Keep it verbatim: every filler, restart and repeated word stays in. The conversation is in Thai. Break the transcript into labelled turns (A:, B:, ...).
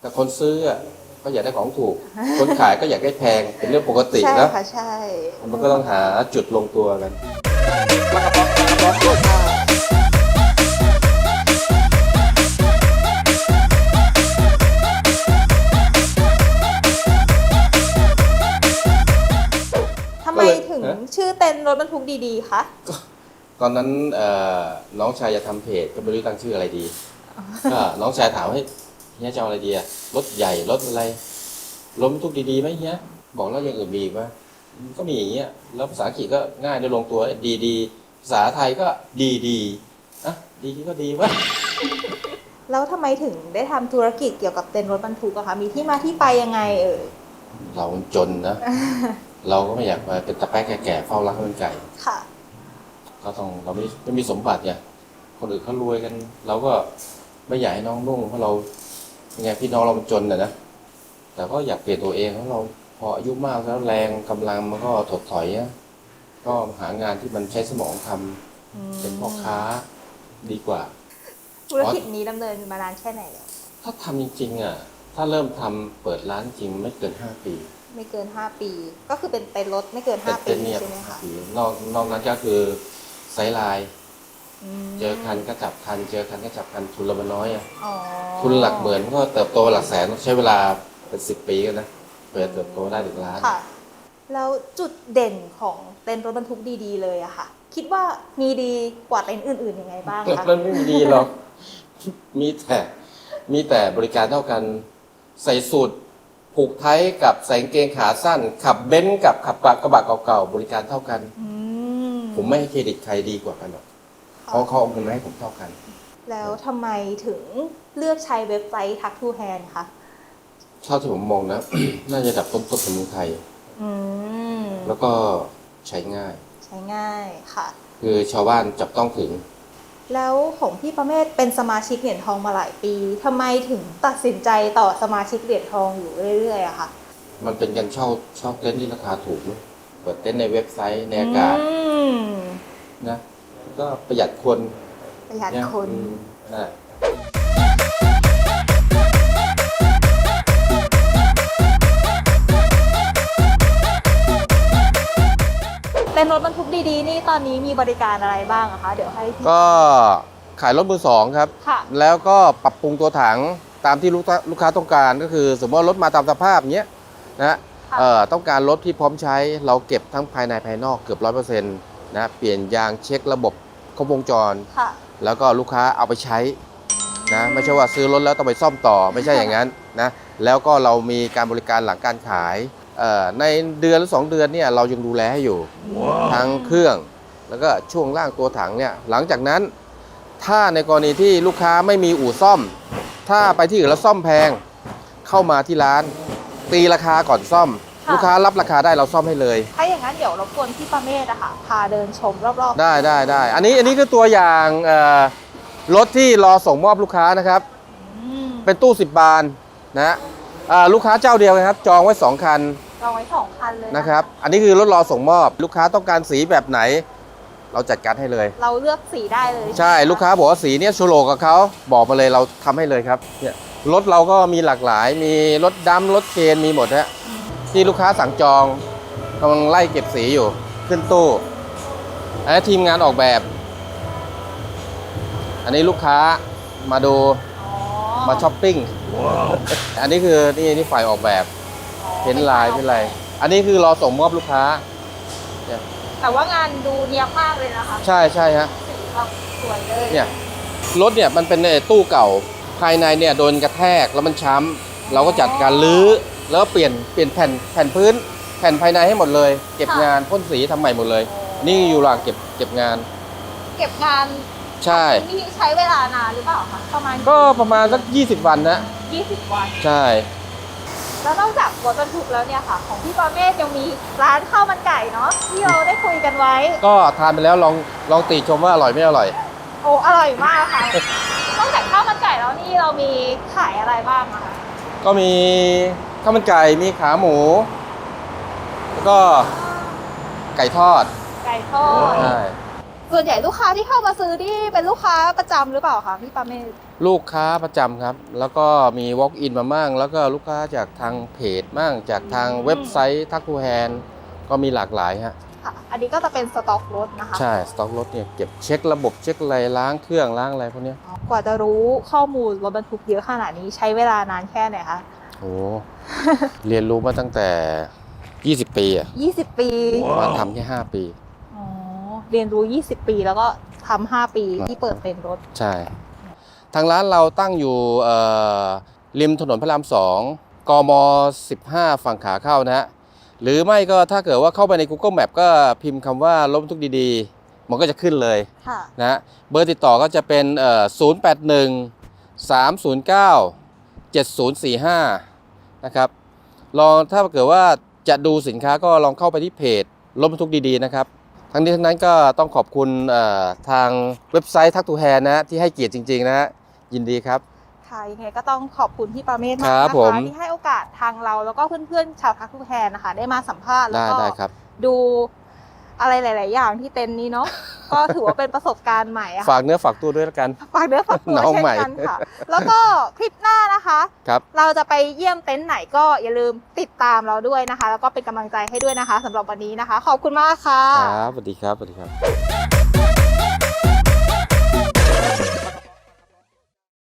A: แต่คนซื้อก็อยากได้ของถูก คนขายก็อยากได้แพงเป็นเรื่องปกตินะ
B: ใช่ค่ะใช่
A: มันก็ต้องหาจุดลงตัวกัน
B: ทำไมถึงชื่อเต็นท์รถบรรทุกดีๆคะ
A: ตอนนั้นน้องชายจะทำเพจก็ไม่รู้ตั้งชื่ออะไรดีก็น้องชายถามให้เฮียจะเอาอะไรดีอะรถใหญ่รถอะไรรถบรรทุกดีๆไหมเฮียบอกแล้วอย่างอื่นมีอีกไหมก็มีอย่างเงี้ยแล้วภาษาอังกฤษก็ง่ายได้ลงตัวดีดีภาษาไทยก็ดีดีอ่ะดีก็ดีวะ
B: แล้วทำไมถึงได้ทำธุรกิจเกี่ยวกับเต็นท์รถบรรทุกอะคะมีที่มาที่ไปยังไงเอ่ย
A: เราจนนะ เราก็ไม่อยากมาเป็นตะแป๊กแก่ๆเฝ้ารักข้าวมันไก่
B: ค่ะ
A: ก็ต้องเราไม่ไม่มีสมบัติไงคนอื่นเขารวยกันเราก็ไม่อยากให้น้องนุ่งเพราะเราไงพี่น้องเรามันจนนะนะแต่ก็อยากเปลี่ยนตัวเองเพราะเราพออายุมากแล้วแรงกำลังมันก็ถดถอยอะก็หางานที่มันใช้สมองทำเป็นพ่อค้าดีกว่า
B: ธุรกิจนี้ดำเนินมานานแค่ไหนแล้ว
A: ถ้าทำจริงๆอ่ะถ้าเริ่มทำเปิดร้านจริงไม่เกินห้าปี
B: ไม่เกินห้าปีก็คือเป็นเต็นท์รถไม่เกินห้าปีใช่ไหมคะ
A: นอกนอกนั้นก็คือไซส์ไลน์เจอคันก็จับคันเจอคันก็จับคันทุนละมันน้อยอ่ะทุนหลักหมื่นก็เติบโตหลักแสนใช้เวลาเป็นสิบปีกันนะเพื่อเติบโตได้ถึงล้าน
B: ค่ะแล้วจุดเด่นของเต็นท์รถบรรทุกดีๆเลยอะค่ะคิดว่ามีดีกว่าเต็นท์อื่นๆยังไงบ้างคะ
A: มันไม่มีดีหรอกมีแต่มีแต่บริการเท่ากันใส่สูตรผูกไทยกับใส่กางเกงขาสั้นขับเบนซ์กับขับกระบะเก่าๆบริการเท่ากันผมไม่ให้เครดิตใครดีกว่ากันหรอกเขาเขาเอาเงินมาให้ผมเท่ากัน
B: แล้วทำไมถึงเลือกใช้เว็บไซต์ ทัก ทู แฮนด์ คะ
A: เท่าที่ผมมองนะ น่าจะดับต้นต้นของเมืองไทยแล้วก็ใช้ง่าย
B: ใช้ง่ายค่ะ
A: คือชาวบ้านจับต้องถึง
B: แล้วของพี่ประเมศเป็นสมาชิกเหรียญทองมาหลายปีทำไมถึงตัดสินใจต่อสมาชิกเหรียญทองอยู่เรื่อยๆอะค่ะ
A: มันเป็นการเช่าเช่าเต็นท์ที่ราคาถูกนะเปิดเต็นท์ในเว็บไซต์ในอากาศนะก็ประหยัดคน
B: ประหยัดคน
A: นะ
B: เต็นท์รถบรรทุกดีๆนี่ตอนนี้มีบริการอะไรบ้างอะคะเดี๋ยวให้
A: ก็ขายรถมือสองครับแล้วก็ปรับปรุงตัวถังตามที่ลูกลูกค้าต้องการก็คือสมมติว่ารถมาตามสภาพเนี้ยนะเอ่อต้องการรถที่พร้อมใช้เราเก็บทั้งภายในภายนอกเกือบร้อยเปอร์เซ็นต์นะเปลี่ยนยางเช็คระบบครบวงจรแล้วก็ลูกค้าเอาไปใช้นะไม่ใช่ว่าซื้อรถแล้วต้องไปซ่อมต่อไม่ใช่อย่างนั้นนะแล้วก็เรามีการบริการหลังการขายในเดือนหรือสองเดือนเนี่ยเรายังดูแลให้อยู่ wow. ทั้งเครื่องแล้วก็ช่วงล่างตัวถังเนี่ยหลังจากนั้นถ้าในกรณีที่ลูกค้าไม่มีอู่ซ่อมถ้าไปที่อื่นแล้วซ่อมแพงเข้ามาที่ร้านตีราคาก่อนซ่อมลูกค้ารับราคาได้เราซ่อมให้เลย
B: ถ้าอย่างนั้นเดี๋ยวรบกวนพี่ประเมศอะค่ะพาเดินชมรอบ
A: ๆได้ได้ได้อันนี้อันนี้คือตัวอย่างรถที่รอส่งมอบลูกค้านะครับเป็นตู้สิบบานนะลูกค้าเจ้าเดียวนะครับจองไว้สองคัน
B: จองไว้สองคันเลย
A: นะครับอันนี้คือรถรอส่งมอบลูกค้าต้องการสีแบบไหนเราจัดการให้เลย
B: เราเลือกสีได้เลย
A: ใช่ลูกค้าบอกว่าสีนี้โชโลกับเขาบอกมาเลยเราทำให้เลยครับเนี่ยรถเราก็มีหลากหลายมีรถดำรถเคนมีหมดฮะที่ลูกค้าสั่งจองกำลังไล่เก็บสีอยู่ขึ้นตู้อันนี้ทีมงานออกแบบอันนี้ลูกค้ามาดูมาช้อปปิ้งอันนี้คือนี่นี่ฝ่ายออกแบบเพ้นลายเป็นไรอันนี้คือรอส่งมอบลูกค้า
B: แต่ว่างานดูเนียบมากเลยนะคะ
A: ใช่ใช่ฮะ
B: สีแบบสวยเลย
A: เนี่ยรถเนี่ยมันเป็นตู้เก่าภายในเนี่ยโดนกระแทกแล้วมันช้ำเราก็จัดการรื้อแล้วเปลี่ยนเปลี่ยนแผ่นแผ่นพื้นแผ่นภายในให้หมดเลยเก็บงานพ่นสีทำใหม่หมดเลยนี่อยู่หลังเก็บเก็บงาน
B: เก็บงาน
A: ใช่
B: นี่ใช้เวลานานหรือเปล่าคะประมาณ
A: ก็ประมาณสักยี่สิบวันนะ
B: ยี่สิบวัน
A: ใช่
B: แล้วนอกจากรถบรรทุกแล้วเนี่ยค่ะของพี่ประเมศยังมีร้านข้าวมันไก่เนาะที่เราได้คุยกันไว้
A: ก็ทานไปแล้วลองลองติชมว่าอร่อยไม่อร่อย
B: โอ้อร่อยมากค่ะนอกจากข้าวมันไก่แล้วนี่เรามีขายอะไรบ้างอะคะ
A: ก็มีข้าวมันไก่มีขาหมูแล้วก็ไก่ทอด
B: ไก่ทอดใช่ส่วนใหญ่ลูกค้าที่เข้ามาซื้อที่เป็นลูกค้าประจำหรือเปล่าคะพี่ประเมศ
A: ลูกค้าประจำครับ แล้วก็มี walk in มามั่งแล้วก็ลูกค้าจากทางเพจมั่งจากทางเว็บไซต์ทักทูแฮนก็มีหลากหลายฮะ
B: ค่ะอันนี้ก็จะเป็นสต็อกรถนะคะ
A: ใช่สต็อกรถเนี่ยเก็บเช็คระบบเช็คอะไรล้างเครื่องล้างอะไรพวกนี้
B: กว่าจะรู้ข้อมูลรถบรรทุกเยอะขนาดนี้ใช้เวลานานแค่ไหนคะ
A: โอ้ เรียนรู้มาตั้งแต่ยี่สิบปีอ่ะ
B: ยี่สิบปี
A: มาทำแค่ห้าปี
B: อ๋อเรียนรู้ยี่สิบปีแล้วก็ทำห้าปีที่เปิดเป็นรถ
A: ใช่ทางร้านเราตั้งอยู่ริมถนนพระรามสองกมสิบห้าฝั่งขาเข้านะฮะหรือไม่ก็ถ้าเกิดว่าเข้าไปใน Google Map ก็พิมพ์คำว่ารถบรรทุกดีๆมันก็จะขึ้นเลยนะเบอร์ติดต่อก็จะเป็นศูนย์ แปด หนึ่ง สาม ศูนย์ เก้า เจ็ด ศูนย์ สี่ ห้านะครับลองถ้าเกิดว่าจะดูสินค้าก็ลองเข้าไปที่เพจรถบรรทุกดีๆนะครับทั้งนี้ทั้งนั้นก็ต้องขอบคุณทางเว็บไซต์ทักทูแฮนนะที่ให้เกียรติจริงๆนะยินดีครับ
B: ค่ะยังไงก็ต้องขอบคุณพี่ปราเมศมากนะคะที่ให้โอกาสทางเราแล้วก็เพื่อนๆชาวทักทูแฮนนะคะได้มาสัมภาษณ์แล้วก็ดูอะไรหลายๆอย่างที่เต็นท์นี้เนาะก็ถือว่าเป็นประสบการณ์ใหม่
A: ฝากเนื้อฝากตัวด้วยแล้วกัน
B: ฝากเนื้อฝากตัวเช่นกันค่ะแล้วก็คลิปหน้านะคะเราจะไปเยี่ยมเต็นท์ไหนก็อย่าลืมติดตามเราด้วยนะคะแล้วก็เป็นกำลังใจให้ด้วยนะคะสำหรับวันนี้นะคะขอบคุณมากค่ะ
A: ครับสวัสดีครับสวัสดีครับ